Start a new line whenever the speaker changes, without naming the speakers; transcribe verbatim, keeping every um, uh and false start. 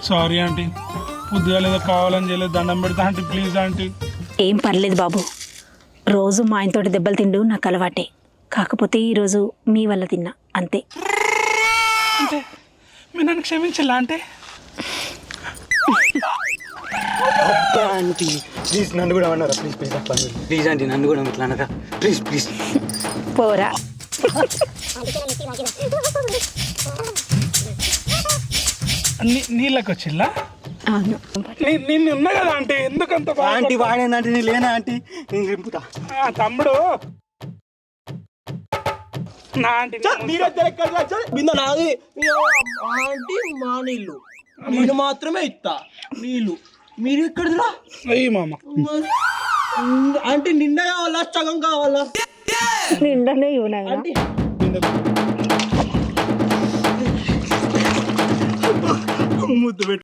Sorry aunty, పొద్దుగా లేదో కావాలని చేయలేదు, దండం పెడతా ఆంటీ, ప్లీజ్ ఆంటీ.
ఏం పర్లేదు బాబు, రోజు మా ఆయనతోటి దెబ్బలు తిండు నాకు అలవాటే. కాకపోతే ఈరోజు మీ వల్ల తిన్నా అంతే.
అంటే మీరు నన్ను క్షమించాలా అంటే?
ఆంటీ ప్లీజ్ నన్ను కూడా అన్నారా? ప్లీజ్ ప్లీజ్ ప్లీజ్ ఆంటీ నన్ను కూడా ఇట్లా అన్నారా? ప్లీజ్ ప్లీజ్
పోరా.
నీళ్ళకి వచ్చిల్లా?
అవును,
నేను ఉన్నా కదా ఆంటీ, ఎందుకంత బాగా-
ఆంటీ వాడేందంటే నేను లేనా ఆంటీ? నేను రింపుతా.
ఆ, తమ్ముడు నా ఆంటీ
బింద నాది ఆంటీ మా నీళ్ళు నేను మాత్రమే ఇస్తా నీళ్ళు. మీరు ఎక్కడిదిరా
అయ్యి మామ.
అంటే నిండా కావాలా సగం కావాలా?
నిండనే ఇవ్వనా
ఆంటీ
ముద్దు పెట్టు.